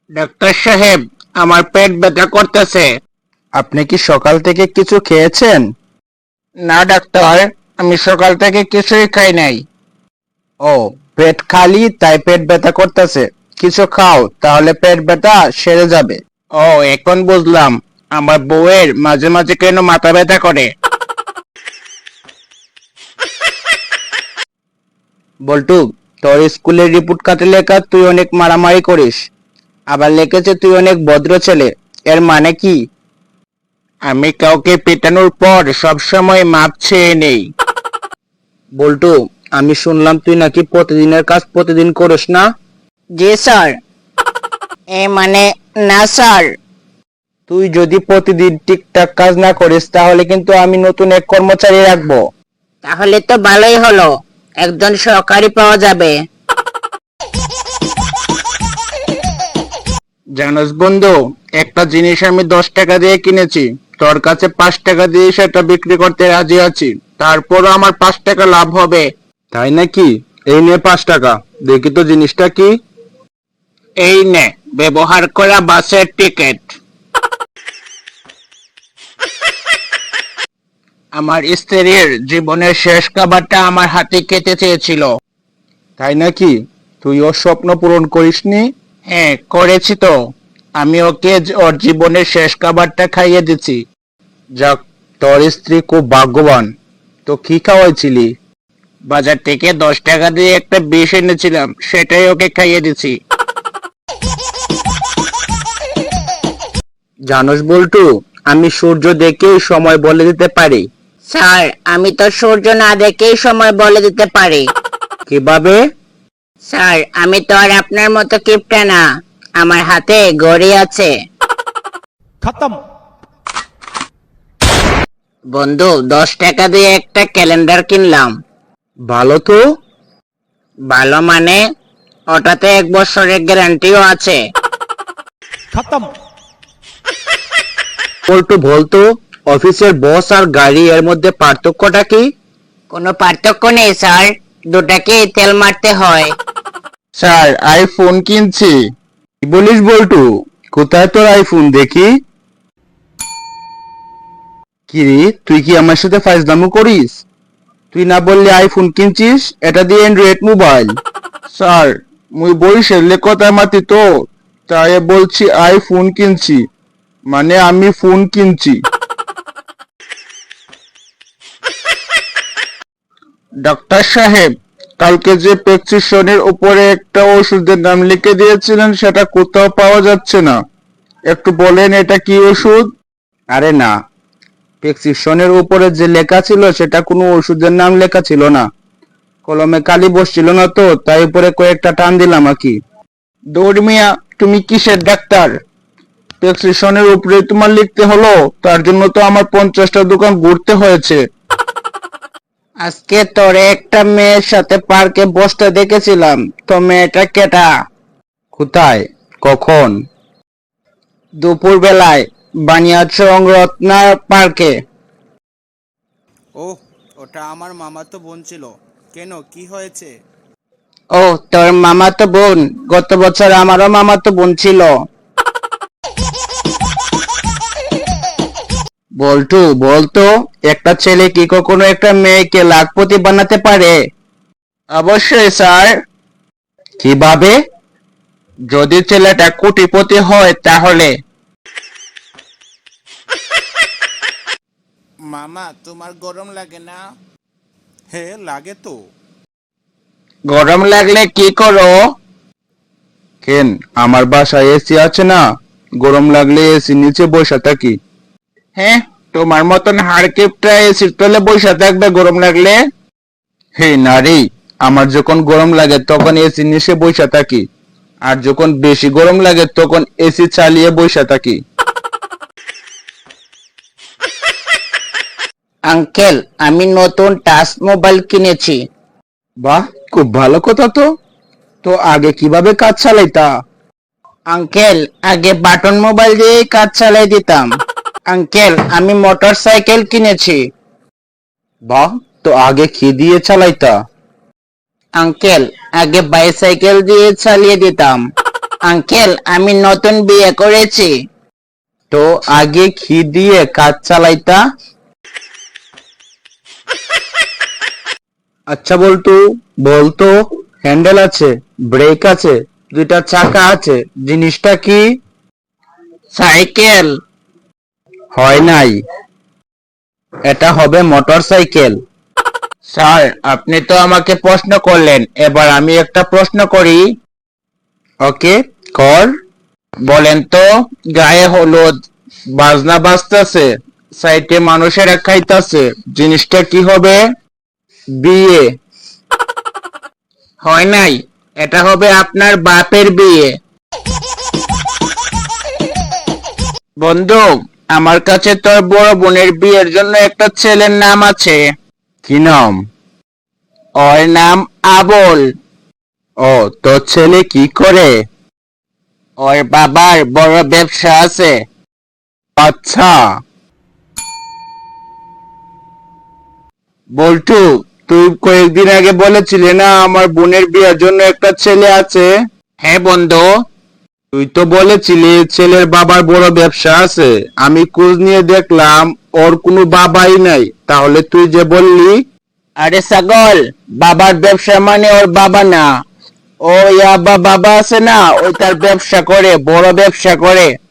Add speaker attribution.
Speaker 1: Doctor সাহেব, আমার পেট ব্যথা করতেছে।
Speaker 2: আপনি কি সকাল থেকে কিছু খেয়েছেন?
Speaker 1: না ডাক্তার, আমি সকাল থেকে কিছুই খাই নাই।
Speaker 2: ও, পেট খালি তাই পেট ব্যথা করতেছে। কিছু খাও, তাহলে পেট ব্যথা সেরে যাবে।
Speaker 1: ও, এখন বুঝলাম আমার বউয়ের মাঝে মাঝে কেন মাথা ব্যথা করে।
Speaker 2: বল্টু, তোর স্কুলের রিপোর্ট কার্ডে লেখা তুই অনেক মারামারি করিস। আবার লিখেছে তুই অনেক ভদ্র ছেলে। এর মানে কি?
Speaker 1: আমি কাউকে পেটানোর পর সবসময় মাপ চেয়ে নেই।
Speaker 2: বল্টু, আমি শুনলাম তুই নাকি প্রতিদিনের কাজ প্রতিদিন করিস না?
Speaker 1: জি স্যার। মানে না স্যার।
Speaker 2: তুই যদি প্রতিদিন ঠিকঠাক কাজ না করিস তাহলে কিন্তু আমি নতুন এক কর্মচারী রাখবো।
Speaker 1: তাহলে তো ভালোই হলো, একজন সহকারী পাওয়া যাবে। জানোস বন্ধু, একটা জিনিস আমি 10 টাকা দিয়ে কিনেছি, তোর কাছে 5 টাকা দিয়ে সেটা বিক্রি করতে রাজি আছি, তারপরও আমার 5 টাকা লাভ হবে।
Speaker 2: তাই নাকি? এই নে 5 টাকা। দেখি তো জিনিসটা কি।
Speaker 1: এই নে, ব্যবহার করা বাসের টিকিট। আমার স্ত্রীর জীবনের শেষ খাবারটা আমার হাতে খেতে চেয়েছিল।
Speaker 2: তাই নাকি? তুই ওর স্বপ্ন পূরণ করিসনি?
Speaker 1: হ্যাঁ, করেছি তো। আমি ওকে ওর জীবনের শেষ খাবারটা খাইয়ে দিচ্ছি।
Speaker 2: যাক, তোর স্ত্রী খুব ভাগ্যবান। তো কি খাওয়াইছিলি?
Speaker 1: বাজার থেকে 10 টাকা দিয়ে একটা বিষ এনেছিলাম, সেটাই ওকে খাইয়ে দিচ্ছি।
Speaker 2: জানোস বল্টু, আমি সূর্য দেখেই সময় বলে দিতে পারি।
Speaker 1: স্যার, আমি তো সূর্য না দেখেই সময় বলে দিতে পারি।
Speaker 2: কিভাবে?
Speaker 1: স্যার, আমি তো আর আপনার মতো কিপটা না, আমার হাতে ঘড়ি আছে।
Speaker 3: खत्म।
Speaker 1: বন্ধু, 10 টাকা দিয়ে একটা ক্যালেন্ডার কিনলাম।
Speaker 2: ভালো তো।
Speaker 1: ভালো মানে, ওটাতে 1 বছরের গ্যারান্টিও আছে।
Speaker 3: खत्म।
Speaker 2: বল্টু বলতো, অফিসের বস আর গাড়ি এর মধ্যে পার্থক্যটা কি?
Speaker 1: কোনো পার্থক্য নেই স্যার, দুটাকেই তেল মারতে হয়।
Speaker 2: স্যার, আইফোন কিনছি। কি বলিস বল্টু? কোথায় তোর আইফোন দেখি? কিরে, তুই কি আমার সাথে ফাইজলামো করিস? তুই না বললি আইফোন কিনছিস, এটা দিয়ে অ্যান্ড্রয়েড মোবাইল। স্যার, মুই বরিশালে কথা মাতি তো, তাই বলছি আইফোন কিনছি, মানে আমি ফোন কিনছি।
Speaker 1: ডক্টর সাহেব,
Speaker 2: কালকে যে প্রেসক্রিপশনের উপরে একটা ওষুধের নাম লিখে দিয়েছিলেন সেটা কোথাও পাওয়া যাচ্ছে না। একটু বলেন এটা কি ওষুধ? আরে না, প্রেসক্রিপশনের উপরে যে লেখা ছিল সেটা কোনো ওষুধের নাম লেখা ছিল না। কলমে কালি বসছিল না তো, তাই উপরে কয়েকটা টান দিলাম আর কি।
Speaker 1: দৌড় মিয়া, তুমি কিসের ডাক্তার?
Speaker 2: প্রেসক্রিপশনের উপরে তোমার লিখতে হলো, তার জন্য তো আমার 50টা দোকান ঘুরতে হয়েছে।
Speaker 1: আজকে তোরে একটা মেয়ের সাথে পার্কে বসতে দেখেছিলাম, তো মেয়েটা কেটা?
Speaker 2: কোথায়? কখন?
Speaker 1: দুপুর বেলায়, বানিয়াচং রত্না পার্কে।
Speaker 4: ওহ, ওটা আমার মামাতো বোন ছিল। কেন, কি হয়েছে?
Speaker 1: ও, তোর মামাতো বোন? গত বছর আমারও মামাতো বোন ছিল।
Speaker 2: বল্টু বলতো, একটা ছেলে কি কখনো একটা মেয়েকে লাখপতি বানাতে পারে?
Speaker 1: অবশ্যই স্যার।
Speaker 2: কিভাবে?
Speaker 1: যদি ছেলেটা কোটিপতি হয় তাহলে।
Speaker 4: মামা, তোমার গরম লাগে না? হ্যাঁ, লাগে তো।
Speaker 1: গরম লাগলে কি করো?
Speaker 2: কেন, আমার বাসায় এসি আছে না, গরম লাগলে এসি নিচে বসে থাকি।
Speaker 1: হ্যাঁ, তোমার মতন হাড়কিপটা এসির তলে বসে থাকবে গরম লাগলে?
Speaker 2: হে নারী, আমার যখন গরম লাগে তখন এসি নিচে বসে থাকি, আর যখন বেশি গরম লাগে তখন এসি চালিয়ে বসে থাকি।
Speaker 1: আঙ্কেল, আমি নতুন টাচ মোবাইল কিনেছি।
Speaker 2: বাহ, খুব ভালো কথা তো। তো আগে কিভাবে কাজ চালাইতা?
Speaker 1: আঙ্কেল, আগে বাটন মোবাইল দিয়েই কাজ চালাই দিতাম। আঙ্কেল, আমি মোটর সাইকেল কিনেছি।
Speaker 2: বাহ, তো আগে কি দিয়ে চালাইতা?
Speaker 1: আঙ্কেল, আগে বাইসাইকেল দিয়ে চালিয়ে দিতাম। আঙ্কেল আমি নতুন বিয়ে করেছি। তো আগে ঘি দিয়ে কাজ চালাইতা।
Speaker 2: আচ্ছা বলতু, বলতো হ্যান্ডেল আছে, ব্রেক আছে, দুইটা চাকা আছে, জিনিসটা কি?
Speaker 1: সাইকেল।
Speaker 2: হয় নাই, এটা হবে মোটর সাইকেল।
Speaker 1: স্যার আপনি তো আমাকে প্রশ্ন করলেন, এবার আমি একটা প্রশ্ন করি।
Speaker 2: ওকে, কর।
Speaker 1: বলেন তো, গায়ে হলুদ, বাজনা বাজতেছে, সাইটে মানুষেরা খাইতাছে, জিনিসটা কি হবে?
Speaker 2: বিয়ে।
Speaker 1: হয় নাই, এটা হবে আপনার বাপের বিয়ে। বন্ধু, আমার কাছে তোর বড় বোনের বিয়ের জন্য একটা ছেলের নাম আছে।
Speaker 2: কি নাম?
Speaker 1: ওর নাম আবুল।
Speaker 2: ও, তোর ছেলে কি করে?
Speaker 1: ওর বাবার বড় ব্যবসা আছে।
Speaker 2: আচ্ছা। বল্টু, তুই কয়েকদিন আগে বলেছিলি না আমার বোনের বিয়ের জন্য একটা ছেলে আছে?
Speaker 1: হ্যাঁ বন্ধু।
Speaker 2: তুই তো বলেছিলি ছেলের বাবার বড় ব্যবসা আছে, আমি খোঁজ নিয়ে দেখলাম ওর কোনো বাবাই নাই, তাহলে তুই যে বললি?
Speaker 1: আরে ছাগল, বাবার ব্যবসা মানে ওর বাবা না। ও বাবা আছে না, ওই তার ব্যবসা করে, বড় ব্যবসা করে।